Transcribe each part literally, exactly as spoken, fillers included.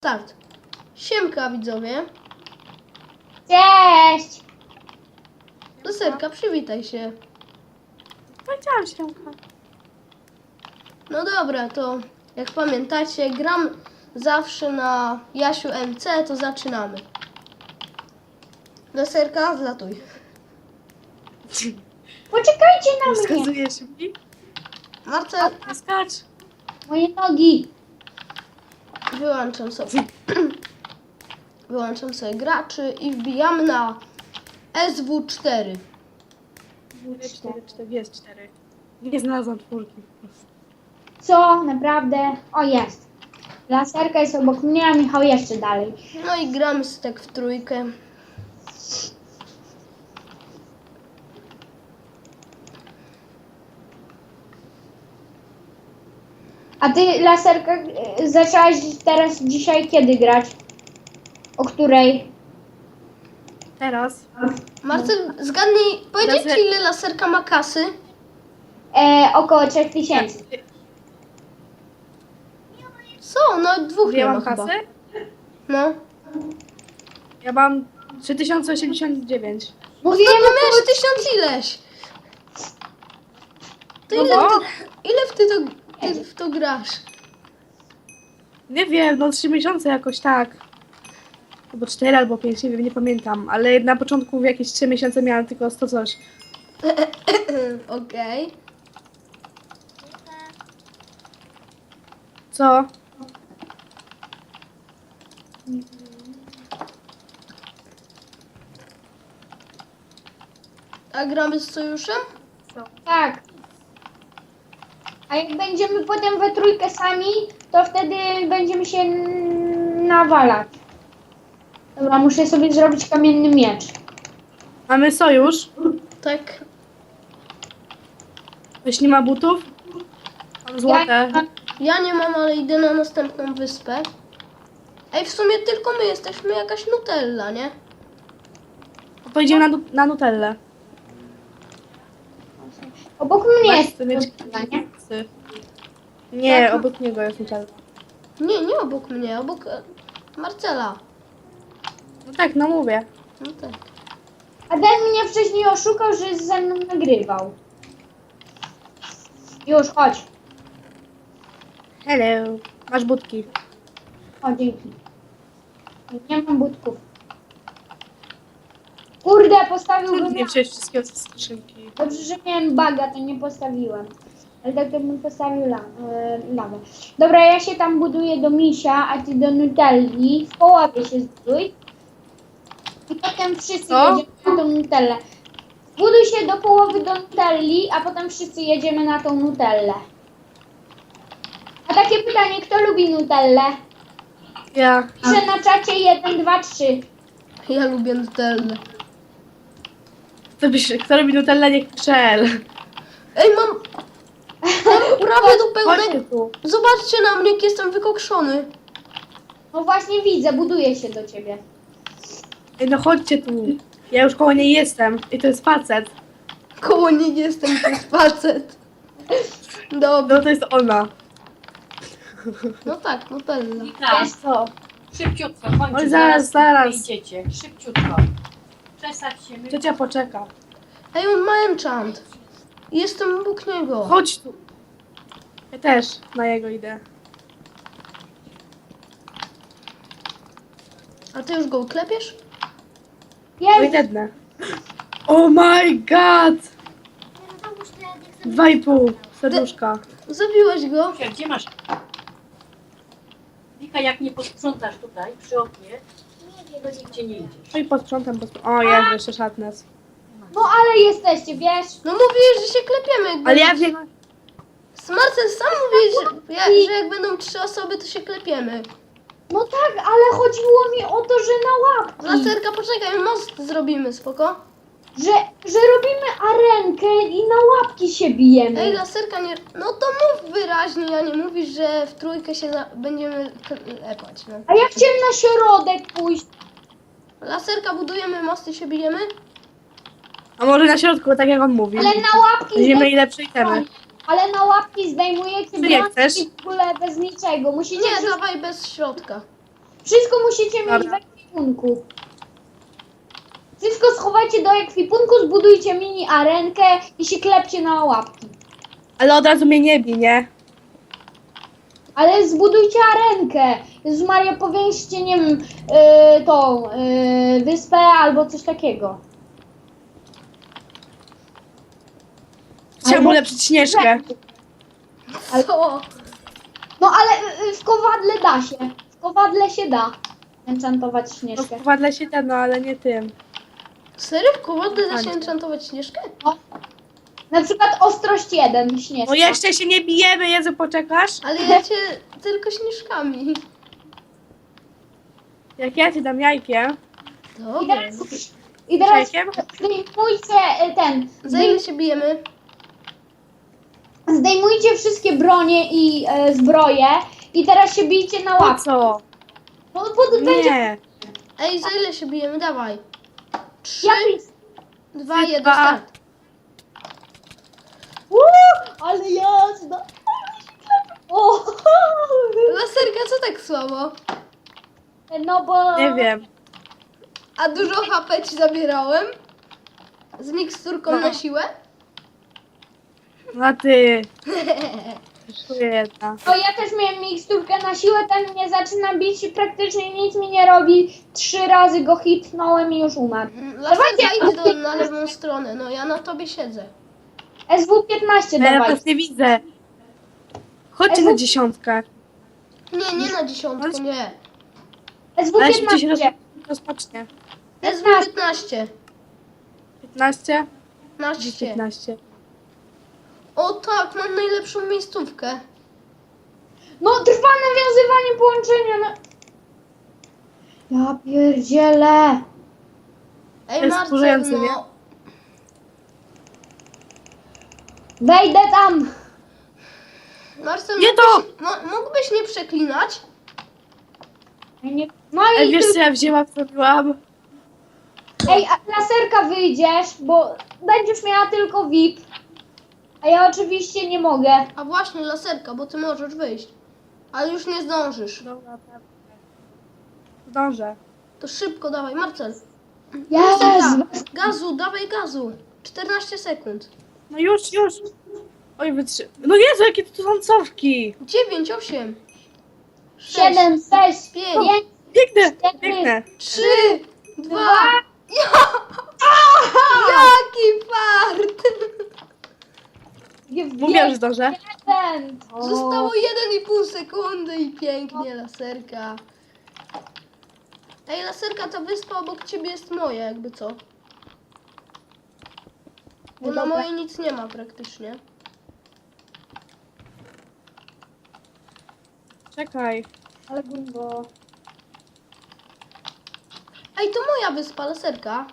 Start. Siemka widzowie. Cześć! Laserka, przywitaj się. Powiedziałam się. No dobra, to jak pamiętacie, gram zawsze na Jasiu M C, to zaczynamy. Laserka, wlatuj. Poczekajcie na mnie! Wskazujesz mi? Marcel, Nie skacz. Moje nogi! wyłączam sobie. Wyłączam sobie graczy i wbijamy na S W cztery. cztery, cztery, jest cztery. Nie znalazłam czwórki po prostu. Co? Naprawdę? O, jest. Laserka jest obok mnie, a Michał jeszcze dalej. No i gramy sobie tak w trójkę. A ty, Laserka, y, zaczęłaś teraz dzisiaj kiedy grać? O której? Teraz Marcel, zgadnij, powiedzieć Laser- ile laserka ma kasy? E, około trzech tysięcy. Co? No dwóch ja nie ma mam chyba. kasę? No. Ja mam trzy tysiące osiemdziesiąt dziewięć. Mówiłem No około... miałeś tysiąc ileś. To No ile, bo? ty, ile w ty to, ty w to grasz? Nie wiem, no trzy miesiące jakoś tak. Albo cztery, albo pięć, nie wiem, nie pamiętam. Ale na początku jakieś trzy miesiące miałam tylko sto coś. Okej. Co? A gramy z sojuszem? Tak. A jak będziemy potem we trójkę sami, to wtedy będziemy się n- nawalać. Dobra, muszę sobie zrobić kamienny miecz. Mamy sojusz. Tak. Ktoś nie ma butów? Mam złote. Ja, Ja nie mam, ale idę na następną wyspę. Ej, w sumie tylko my jesteśmy jakaś Nutella, nie? To idziemy na, nu- na Nutellę. obok mnie jest Chcę mieć Nutella, nie? kasy. Nie, Tak. obok niego jest Nutella. Nie, nie obok mnie, obok e, Marcela. No tak, no mówię. No tak. A ten mnie wcześniej oszukał, że ze mną nagrywał. Już, chodź. Hello. Masz budki. O, dzięki. Nie mam budków. Kurde, postawiłbym... Nie wziąłeś wszystkiego ze skrzynki. Dobrze, że miałem baga, to nie postawiłem. Ale tak to bym postawił la, e, lawę. Dobra, ja się tam buduję do misia, a ty do Nutelli. W połowie się zbuduj. I potem wszyscy Co? jedziemy na tą Nutellę. Zbuduj się do połowy do Nutelli, a potem wszyscy jedziemy na tą Nutellę. A takie pytanie, kto lubi Nutellę? Ja. Piszę na czacie jeden, dwa, trzy. Ja lubię Nutellę. Kto, byś, kto robi Nutellę, niech pisze L. Ej, mam... Mam prawie do Chodźcie pełnego... tu. Zobaczcie na mnie, jak jestem wykokszony. No właśnie widzę, buduję się do ciebie. Ej, no chodźcie tu. Ja już koło niej jestem. I to jest facet. Koło niej jestem, to jest facet. Dobra. No to jest ona. No tak, Nutella. Wika, Wiesz co? szybciutko, kończy. Oj, zaraz, zaraz. Idziecie, szybciutko. Przestać się my... Ciocia poczeka. Ej, on ma enchant. Jestem obok niego. Chodź tu. Ja też na jego idę. A ty już go klepiesz? No i Jest! dednę. Oh my god! Dwa i pół serduszka. Zabiłeś go? Wika, gdzie masz? Wika, jak nie posprzątasz tutaj, przy oknie, to nigdzie nie idziesz. No i posprzątam, posprzątam. O, jest jeszcze szatnes. No ale jesteście, wiesz? No mówiłeś, że się klepiemy. Jak Ale będą- ja wiem... Marcel sam mówiłeś, że, ja, że jak będą trzy osoby, to się klepiemy. No tak, ale chodziło mi o to, że na łapki. Laserka, poczekaj, most zrobimy, spoko? Że, że robimy arenkę i na łapki się bijemy. Ej, laserka, nie... No to mów wyraźnie, a nie mówisz, że w trójkę się za... będziemy klepać, no. A ja chciałem na środek pójść. Laserka, budujemy most i się bijemy? A może na środku, tak jak on mówi. Ale na łapki Będziemy zdejmujecie, ile przejdziemy. ale na łapki zdejmujecie Czy nie bramki chcesz? w ogóle bez niczego. Musicie Nie, wrzucić... dawaj bez środka. Wszystko musicie mieć Dobra. w ekwipunku. Wszystko schowajcie do ekwipunku, zbudujcie mini arenkę i się klepcie na łapki. Ale od razu mnie nie bij, nie? Ale zbudujcie arenkę. Jezus Maria, powiększcie, nie wiem, yy, tą yy, wyspę albo coś takiego. Chciałam Albo- ulepszyć Śnieżkę. Co? No ale yy, w kowadle da się. W kowadle się da enchantować No śnieżkę. wpadle się da, no ale nie tym. Serio? W kowadle da się Fajnie. enchantować Śnieżkę? No. Na przykład ostrość jeden śnieżka. No jeszcze się nie bijemy, Jezu, poczekasz? Ale ja cię tylko śnieżkami. Jak ja ci dam jajkiem. I Dobra. teraz, i teraz Jajkiem? zdejmujcie y, ten. Za ile się bijemy? Zdejmujcie wszystkie bronie i e, zbroje i teraz się bijcie na Po łapkę. co? No bo będzie. Nie. Ej, za ile się bijemy? Dawaj. Trzy, Ja dwa, jeden, dwa. start. Uuu, ale jazda. O, Laserka, co tak słabo? no bo. Nie wiem. A dużo H P ci zabierałem? Z miksturką No. na siłę? No ty. Jedna. No ja też miałem miksturkę na siłę, ten mnie zaczyna bić i praktycznie nic mi nie robi. Trzy razy go hitnąłem i już umarł. Laserka, Dawajcie. idź do, na lewą stronę. No ja na tobie siedzę. S W piętnaście No, ja dawaj. was nie widzę. Chodźcie na dziesiątkę. Nie, nie na dziesiątkę, nie. S W Ale szybciej się roz... piętnaście. rozpocznie. S W piętnaście. piętnaście? piętnaście. piętnaście. O tak, mam najlepszą miejscówkę. No trwa nawiązywanie połączenia. No. Ja pierdzielę. Ej, jest Marcel, wkurzające, nie? no. Wejdę tam. Marcel, Nie mógłbyś, to! mo, mógłbyś nie przeklinać? Nie- No Ej, i wiesz ty... co ja wzięłam, co robiłam? Ej, a laserka wyjdziesz, bo będziesz miała tylko V I P. A ja oczywiście nie mogę. A właśnie, laserka, bo ty możesz wyjść. Ale już nie zdążysz. Dobra, tak. Zdążę. To szybko dawaj, Marcel. Jezu. Laserka, gazu, dawaj gazu. czternaście sekund. No już, już. Oj, wytrzy... No Jezu, jakie tu są cofki. dziewięć, osiem, siedem, sześć, pięć, pięć, Biegnę, Cztery. biegnę. trzy, dwa. Jaki fart! Mówiłam, że zdążę. jeden. Zostało jeden i pół sekundy i pięknie, laserka. Ej, laserka, ta wyspa obok ciebie jest moja, jakby co? Bo na Dobra. mojej nic nie ma praktycznie. Czekaj. Ale gumbo. Ej, to moja wyspa, laserka.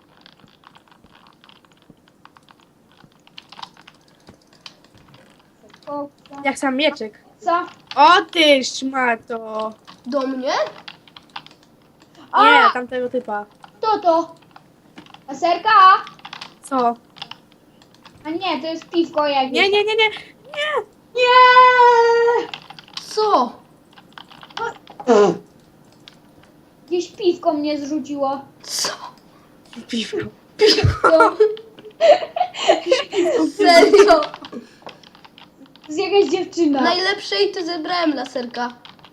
Jak sam mieczek. Co? O ty szmato. Do mnie? A! Nie, tamtego typa. Kto to? Laserka? Co? A nie, to jest piwko jakieś. Nie, nie, nie, nie. Nie! Co? Jakieś piwko mnie zrzuciło. Co? Piwko. To Serio? jest jakaś dziewczyna. Najlepszej ty zebrałem, laserka.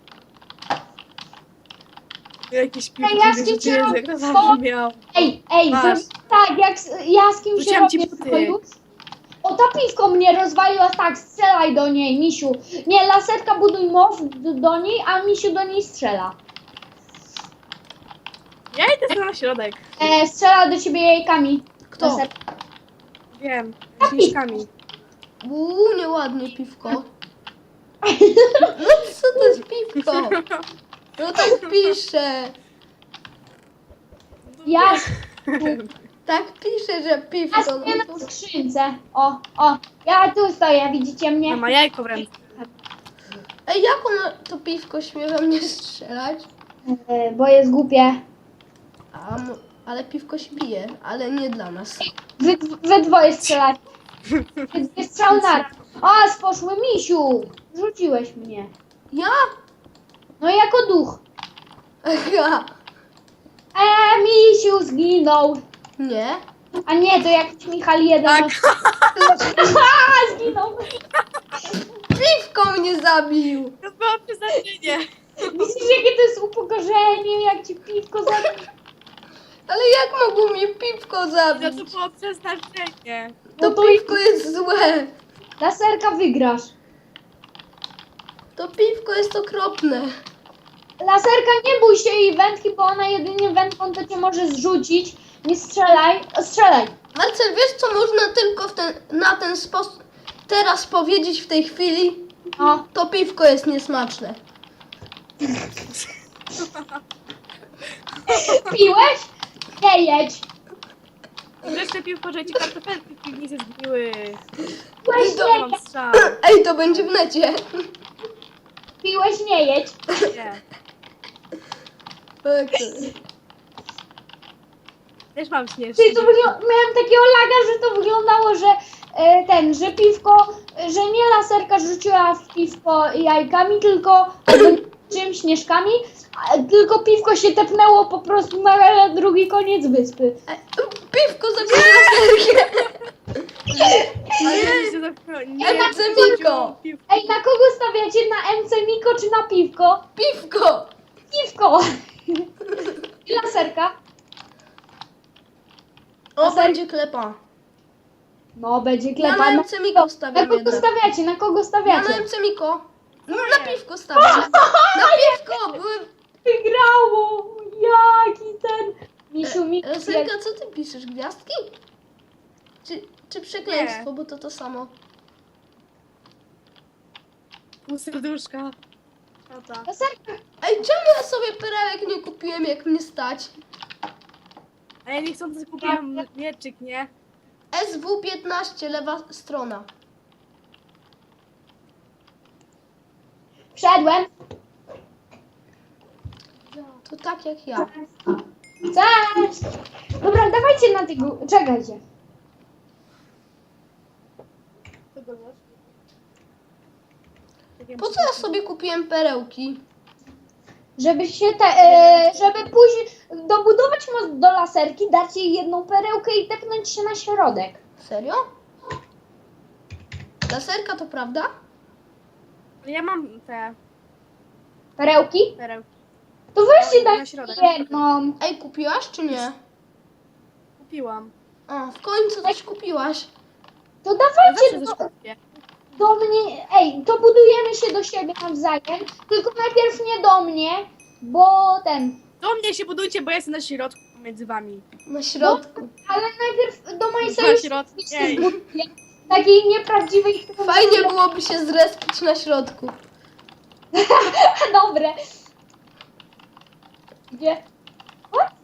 Jakieś Ej, piwko. ja z kim się robię? Jak to zabrzmiał. Ej, ej, Masz. zrobię tak, jak s- ja z kimś się Rzuciłam ci robię buty. sojusz. O, ta piwko mnie rozwaliła, tak, strzelaj do niej, misiu. Nie, laserka buduj most do, do niej, a misiu do niej strzela. Ja idę sobie na środek. E, strzela do ciebie jajkami. Kto? Laserka. Wiem. Śnieżkami. Uuu, nieładnie piwko. No co to jest piwko? No tak pisze. Ja Tak pisze, że piwko. Ja stoję No na to... skrzynce. O, o, ja tu stoję, widzicie mnie? No ma jajko w ręce. Ej, jak ono to piwko śmie we mnie strzelać? E, bo jest głupie. A, mo- ale piwko się bije, ale nie dla nas. Wy, wy dwoje strzelacie. Wy dwie strzały naraz. A, sposzły misiu. Rzuciłeś mnie. Ja? No jako duch. Aha. Eee, misiu zginął. Nie? A nie, to jakiś Michal jeden. Tak. Aha, zginął. Piwko mnie zabił. To było przeznaczenie. Widzisz, jakie to jest upokorzenie, jak ci piwko zabił. Ale jak mogło mnie piwko No zabić? to było przeznaczenie. To No to piwko jest złe. Laserka wygrasz. To piwko jest okropne. Laserka, nie bój się jej wędki, bo ona jedynie wędką to cię może zrzucić. Nie strzelaj. O, strzelaj. Marcel, wiesz co można tylko w ten, na ten sposób teraz powiedzieć w tej chwili? No. To piwko jest niesmaczne. Piłeś? Nie jedź. Wreszcie piłko, że ci kartofelki w piwnicy zgniły. Piłeś, to nie Nie mam jedź. strzał. Ej, to będzie w necie. Piłeś, nie jedź. Nie. Tak. Też mam śnieżki. Ty, to wygl- miałem takiego laga, że to wyglądało, że e, ten, że piwko, że nie laserka rzuciła w piwko jajkami, tylko albo czym śnieżkami, a, tylko piwko się tepnęło po prostu na drugi koniec wyspy. E, Piwko zabiera laserkę. Ale ja się zapro- nie, Ej, ja Zemiko. piłko. Ej, na kogo stawiacie? Na M C Miko czy na piwko? Piwko. Piwko! I laserka? O, Laser- będzie klepa. No, będzie Ja klepa. na Na, M C Miko na stawiam kogo jednak. stawiacie? Na kogo Ja na stawiacie? M C Miko. No, na piwko stawiam. Na piwko. Były... Wygrało! Jaki ten... Misiu, Misiu, jak... Laserka, co ty piszesz? Gwiazdki? Czy, czy przekleństwo, Nie. bo to to samo. Pół serduszka. Tata. Laserka! Ej, czemu ja sobie perełek nie kupiłem, jak mnie stać? A ja niechcący kupiłam mieczyk, nie? S W piętnaście, lewa strona. Wszedłem! To tak jak ja. Cześć! Dobra, dawajcie na tego... Czekajcie. Po co ja sobie kupiłem perełki? Żeby się te... E, żeby później dobudować most do laserki, dać jej jedną perełkę i tepnąć się na środek. Serio? Laserka to prawda? Ja mam te Perełki? perełki. To weźcie Na dać środek. jedną. Ej, kupiłaś czy nie? Kupiłam. O, w końcu coś kupiłaś. To Ja dawajcie zawsze coś do, kupię. do mnie... Ej, to budujemy się do siebie nawzajem. Tylko najpierw nie do mnie, bo ten... Do mnie się budujcie, bo ja jestem na środku między wami. Na środku. Ale najpierw do mojej Na sojusznicy środku. się Ej. zbuduję. Takiej nieprawdziwej... Fajnie byłoby się zrespić na środku. Dobre. Gdzie? What?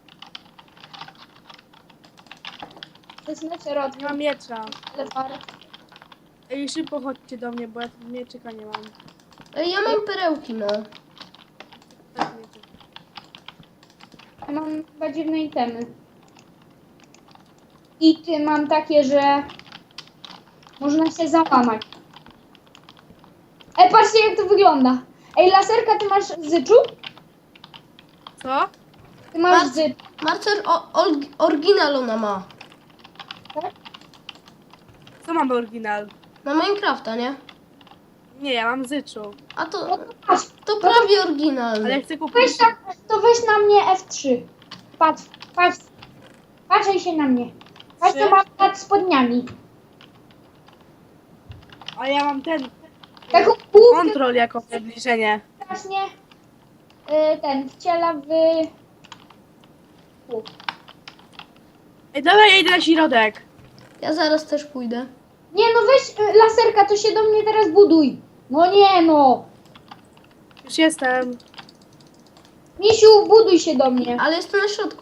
To jest na środku. Nie mam miecza. ale parę. Ej, szybko chodźcie do mnie, bo ja tu mieczyka nie mam. Ej, ja mam perełki, no. Tak, mieczyk. Ja mam chyba dziwne itemy. I ty mam takie, że można się załamać. Ej, patrzcie jak to wygląda. Ej, laserka, ty masz zyczu? Co? Ty masz Masz- zycz, Marcel, o, ol- oryginal ona ma. tak? Co mam oryginal? Na Minecrafta, nie? Nie, ja mam zyczu. A No to, to masz. to prawie oryginalny. Ale chcę kupić. Weź na, to weź na mnie F trzy. Patrz, patrz. Patrzaj się na mnie. Patrz, Trzy? to mam nad spodniami. A ja mam ten. Taką główkę Kontrol jako przybliżenie. strasznie y, ten wciela w... U. Ej, dobra, ja idę na środek. Ja zaraz też pójdę. Nie no weź y, laserka, to się do mnie teraz buduj. No nie no. Już jestem. Misiu, buduj się do mnie. Ale jestem na środku.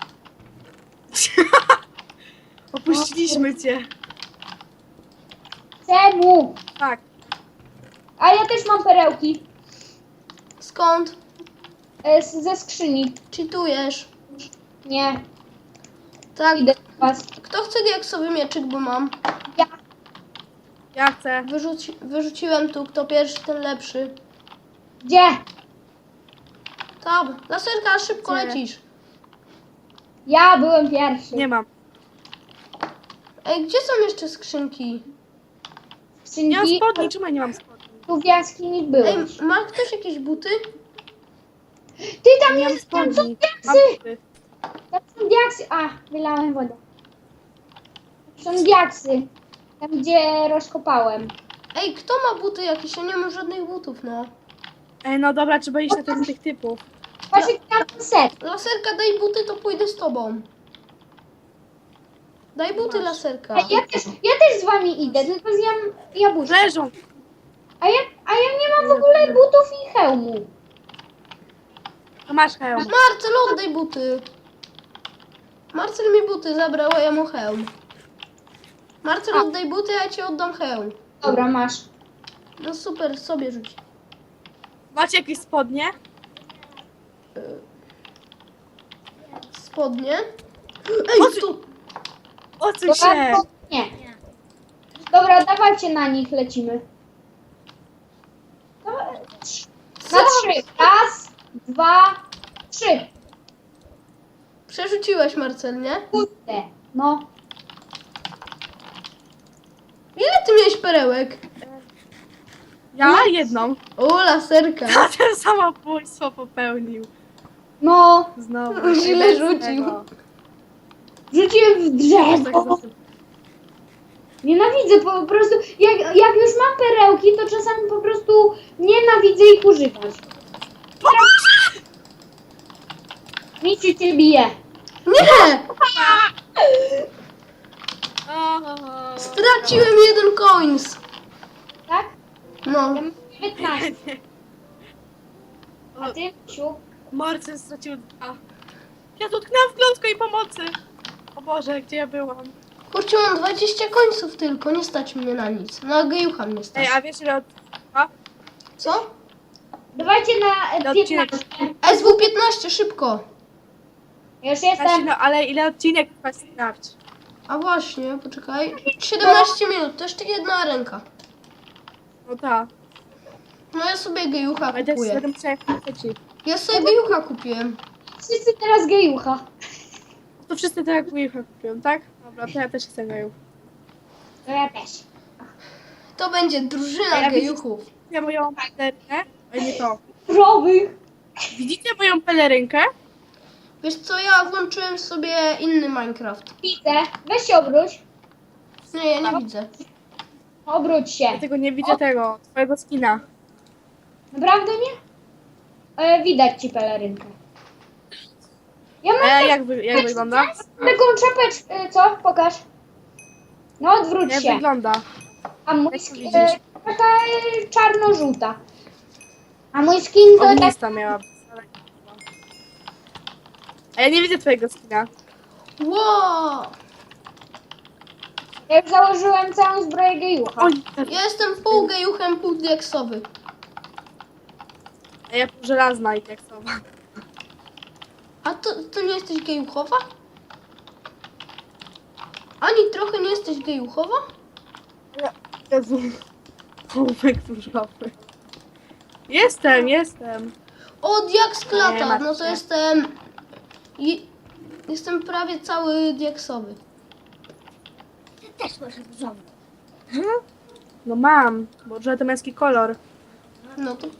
Opuściliśmy cię. Czemu? Tak. A ja też mam perełki Skąd? y, z, ze skrzyni. Cheatujesz. Nie, Tak. idę do was. Kto chce diaksowy mieczyk, bo mam. Ja. Ja chcę. Wyrzuci- wyrzuciłem tu, kto pierwszy, ten lepszy. Gdzie? Tam, laserka, szybko Gdzie? lecisz. Ja byłem pierwszy. Nie mam. Ej, gdzie są jeszcze skrzynki? Nie mam Skrzynki, spodni, czemu ja nie mam spodni? tu w jaskini Ej, byłeś. ma ktoś jakieś buty? Ty tam Nie mam jest, tam są spodni. Mam diaksy! buty. Tam są diaksy. A, wylałem wodę. Tam są diaksy. Tam gdzie rozkopałem. Ej, kto ma buty jakieś? Ja nie mam żadnych butów, no. Ej, no dobra, trzeba iść na ten z tych typów. Patrz jaki tam ten set. Laserka, daj buty, to pójdę z tobą. Daj buty, Masz. laserka. Ej, ja też, ja też z wami idę, tylko zjem jabłuszko. Leżą. A ja, a ja nie mam w ogóle butów i hełmu. To masz hełm. Marcel, oddaj buty. Marcel mi buty zabrał, a ja mu hełm. Marcel, oddaj buty, a ja ci oddam hełm. Dobra, masz. No super, sobie rzuć. Macie jakieś spodnie? Spodnie. Ej, tu. Odsuń Dobra, się. to- nie. Dobra, dawajcie na nich, lecimy. Dobra, trz- Na trzy. Raz, dwa, trzy. Przerzuciłeś, Marcel, nie? Kurde. No. Ile ty miałeś perełek? Ja jedną. O, laserka. A ten samobójstwo popełnił. No. Znowu. Źle Ej, bez rzucił. tego. Rzuciłem w Tak drzewo. zasyp- Nienawidzę po prostu. Jak, jak już mam perełki, to czasami po prostu nienawidzę ich używać. Nic cię bije. Nie! O, Straciłem jeden coins. Tak? No. Ja mam dziewiętnaście. A ty, Siu? Marcin stracił dwa. Ja dotknęłam w klątko i pomocy. O Boże, gdzie ja byłam? Kurczę, mam dwadzieścia końców tylko, nie stać mnie na nic. Na gejucha mnie stać. Ej, a wiesz ile od... A? Co? Dawajcie na Na e, odcinek. piętnaście. S W piętnaście, szybko. Ja już Znaczy, jestem. no, ale ile odcinek trwa sprawdź. A właśnie, poczekaj. siedemnaście minut, to jeszcze jedna ręka. No tak. No ja sobie gejucha Ale też kupuję. będę musiała ci. Ja sobie gejucha kupiłem. Wszyscy teraz gejucha. To wszyscy tak jak kupią, tak? Dobra, to ja też chcę gaju. To ja też. To będzie A drużyna ja gejuchów. Widzicie moją pelerynkę? A nie to. Krowy. Widzicie moją pelerynkę? Wiesz co, ja włączyłem sobie inny Minecraft. Widzę. Weź się obróć. Nie, ja nie widzę. Obróć się. Dlatego nie widzę tego, twojego skina. Naprawdę nie? E, widać ci pelerynkę. Ja mam A ja tak- jak, wy, jak wygląda? taką czapeczkę. E, co? Pokaż. No odwróć Jak się. wygląda? A mój Jak to skin, widzisz? e, taka e, czarno-żółta. A mój skin to tak... Ognista miała być. ale nie była. A ja nie widzę twojego skina. Wow! Ja już założyłem całą zbroję gejucha. Oj, Ja jestem pół gejuchem, pół diaksowy. a ja pół żelazna i tak samo. A to, to nie jesteś gejuchowa? Ani trochę nie jesteś gejuchowa? Jezu. Półek różowy. Jestem, jestem. O, diaks Nie klata, martw no to się. jestem... I, jestem prawie cały diaksowy. No mam, bo że to męski kolor. No to...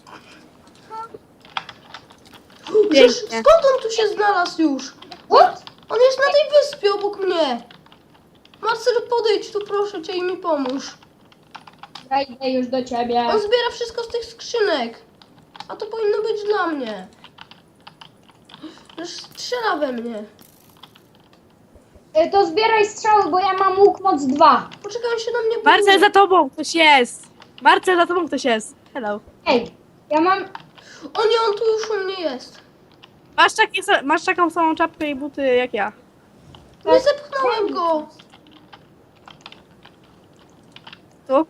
Pięknie. Żeż, skąd on tu się znalazł już? What? On jest na tej wyspie obok mnie. Marcel, podejdź tu proszę cię i mi pomóż. Ja idę już do ciebie. On zbiera wszystko z tych skrzynek. A to powinno być dla mnie. Już strzela we mnie. E, To zbieraj strzały, bo ja mam łuk moc dwa. Poczekaj, on się na mnie Marcel, buduje. za tobą ktoś jest. Marcel, za tobą ktoś jest. Hello. Ej, ja mam... O nie, on tu już u mnie jest. Masz, takie, sa- masz taką samą czapkę i buty jak ja. Nie zepchnąłem go. Tu?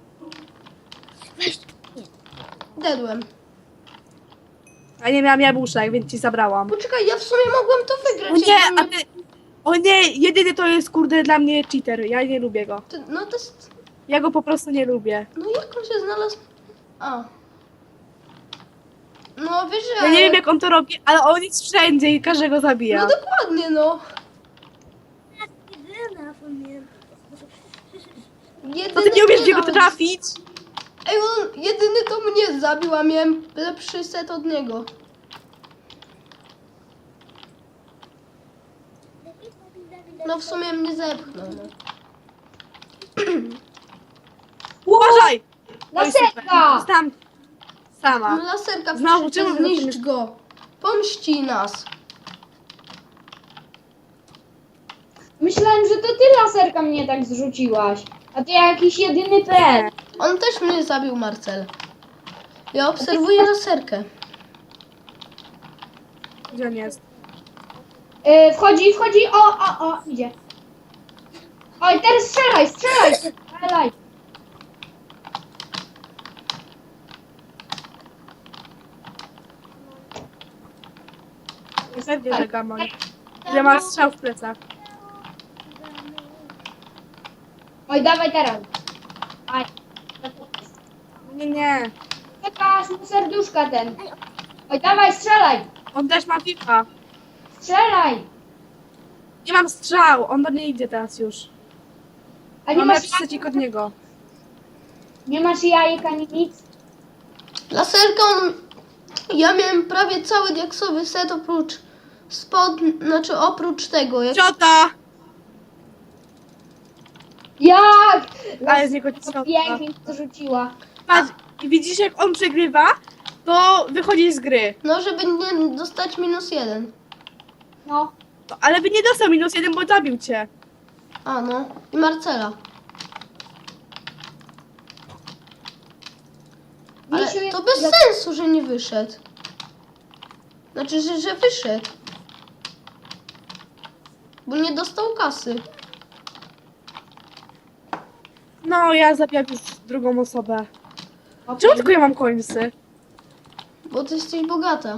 Dedłem. A nie miałam jabłuszek, więc ci zabrałam. Poczekaj, ja w sumie mogłem to O wygrać. nie, jakby a ty... O nie, jedyny to jest kurde dla mnie cheater. Ja nie lubię go. Ty, no to jest... Ja go po prostu nie lubię. No jak on się znalazł? A. No wiesz, Ja nie wiem jak on to robi, ale on jest wszędzie i każdego zabija. No dokładnie, no. Jedyna pamiętam. Jedyny To ty nie umiesz mnie niego nawet- trafić? Ej, on jedyny to mnie zabił, a miałem lepszy set od niego. No w sumie mnie zepchnął. No. Uważaj! Oj, super. Laserka! Zostałam sama. No laserka, Znowu, proszę czemu cię, wy na tym zniszcz go. Pomści nas. Myślałem, że to ty laserka mnie tak zrzuciłaś. A ty jakiś jedyny P L. On też mnie zabił, Marcel. Ja obserwuję laserkę. Gdzie on jest? Yy, wchodzi, wchodzi, o, o, o, idzie. Oj, teraz strzelaj, strzelaj, strzelaj. Pewnie, że gamon. Ile masz strzał w plecach? Oj, dawaj teraz. Aj. Nie, nie. Czekasz mu serduszka ten. Oj, dawaj, strzelaj, On też ma FIFA. strzelaj. Nie mam strzał, on do mnie idzie teraz już. A nie Mam masz, lepszy secik od niego. nie masz jajek ani nic? Laserka, on... Ja miałem prawie cały diaksowy set oprócz spod... Znaczy oprócz tego. Jak... Ciota! Jak? Ale z niego ciota. Pięknie to rzuciła. Patrz, i widzisz jak on przegrywa, to wychodzi z gry. No, żeby nie dostać minus jeden. No. To, ale by nie dostał minus jeden, bo zabił cię. A no. I Marcela. Ale Misiu jest- to bez sensu, że nie wyszedł. Znaczy, że, że wyszedł. Bo nie dostał kasy. No, ja zabijam już drugą osobę. Okej. Czemu tylko ja mam końcy? Bo ty jesteś bogata.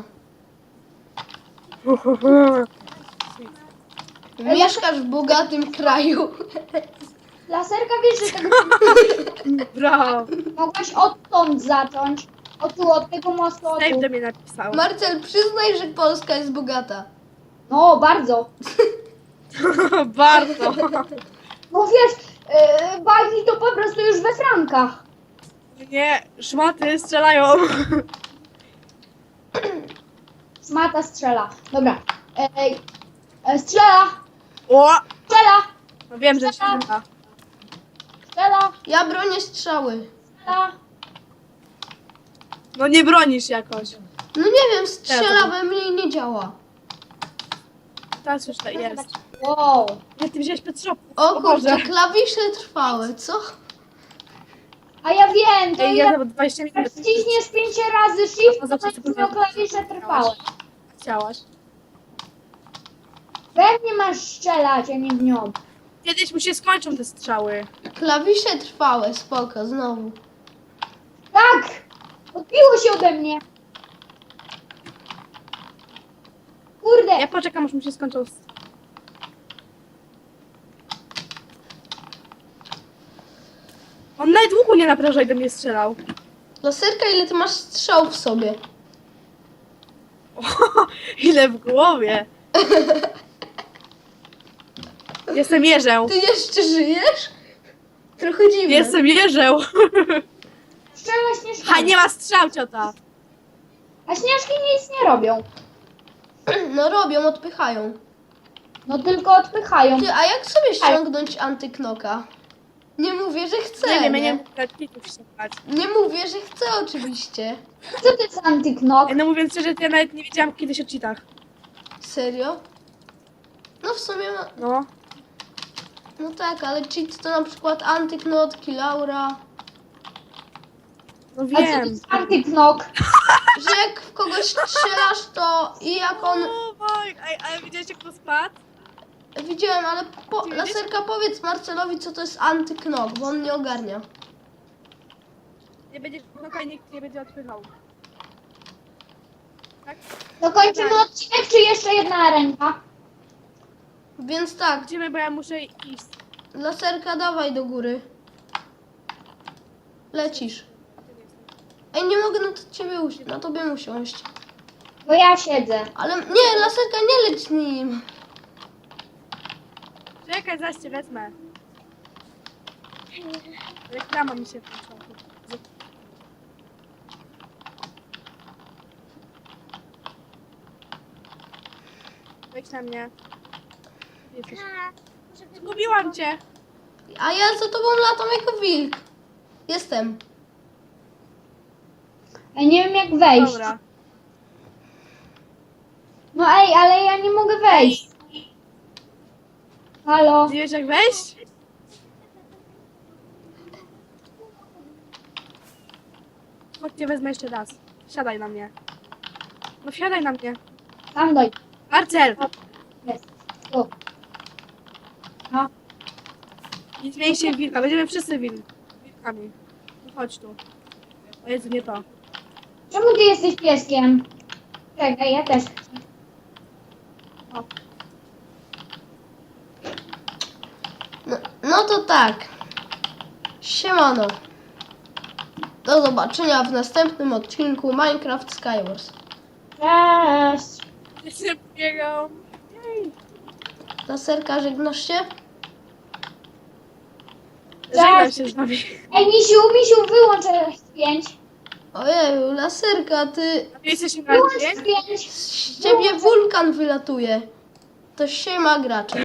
Mieszkasz w bogatym kraju. Laserka, wiesz, że tego Brawo. mogłaś odtąd zacząć. O tu, od tego mostu, o Dave tu. do mnie napisał. Marcel, przyznaj, że Polska jest bogata. No, bardzo. Bardzo. No wiesz, yy, bagi to po prostu już we frankach. Nie, szmaty strzelają. Smata strzela. Dobra. Ej, e, strzela, O! strzela, No wiem, że się uda. strzela, Ja bronię strzały. strzela. No nie bronisz jakoś. No nie wiem, strzela Teraz. we mnie i nie działa. Teraz już to jest. Wow. Nie, ty wziąłeś Petrzopu. O Boże. kurczę, klawisze trwałe, co? A ja wiem, to Ej, ja... ja za dwadzieścia Jak minut wciśniesz pięć razy shift, No to zawsze będziesz to miał powiem. klawisze trwałe. chciałaś. Pewnie masz strzelać, a nie w nią. Kiedyś mu się skończą te strzały. Klawisze trwałe, spoko, znowu. Tak! Odbiło się ode mnie. Kurde. Ja poczekam, aż mu się skończą. s- On nawet łuku nie napręża i do mnie strzelał. Laserka, ile ty masz strzał w sobie? Ile w głowie. Jestem jeżeł. Ty jeszcze żyjesz? Trochę dziwne. Jestem jeżeł. Strzela śnieżki. Ha, nie ma strzał, ciota. A śnieżki nic nie robią. No robią, odpychają. No tylko odpychają. Ty, a jak sobie ściągnąć antyknoka? Nie mówię, że chcę, Nie wiem, nie? ja nie mogę klików ściągać. Nie mówię, że chcę oczywiście. Co to jest antyknok? No mówiąc szczerze, to ja nawet nie wiedziałam kiedyś o cheatach. Serio? No w sumie, no, No. no tak, ale cheat to na przykład antyknot, kilaura. No A co to wiem. jest antyknok? Że jak w kogoś strzelasz, to i jak on... O, boj, ej, ale widziałeś jak to spadł? Widziałem, ale po... Ty widzisz? Laserka, powiedz Marcelowi, co to jest antyknok, bo on nie ogarnia. Nie będzie knoka i nikt nie będzie odpychał. Tak? Dokończymy odcinek, czy jeszcze jedna ręka? Więc tak, Idziemy, bo ja muszę iść. laserka, dawaj do góry. Lecisz. Ej, nie mogę na to ciebie usiąść, na tobie usiąść. Bo ja siedzę. Ale nie, laserka, nie leć nim. Czekaj, zaś cię wezmę. Reklama mi się włączyła. Wejdź na mnie. Jesteś. Zgubiłam cię. A ja za tobą latam jako wilk. Jestem. Ja nie wiem jak wejść. Dobra. No ej, ale ja nie mogę wejść. Halo? Wiesz jak wejść? Chodź, cię wezmę jeszcze raz. Siadaj na mnie. No siadaj na mnie. Tam doj. Marcel! Jest. Tu. No. Nie zmień się w wilka, będziemy wszyscy wil wilkami. No chodź tu. O Jezu, nie to. Czemu ty jesteś pieskiem? Czekaj, ja też chcę. O. No, no to tak. Siemano. Do zobaczenia w następnym odcinku Minecraft Skywars. Cześć. Jeszcze biegał. Jej. Laserka, żegnasz się? Żegnam się z wami. Ej, Misiu, Misiu, wyłącz F pięć. Ojeju, laserka, ty... Jesteś na Wyłącz dźwięk? F pięć. Z ciebie wulkan wylatuje. To siema gracze.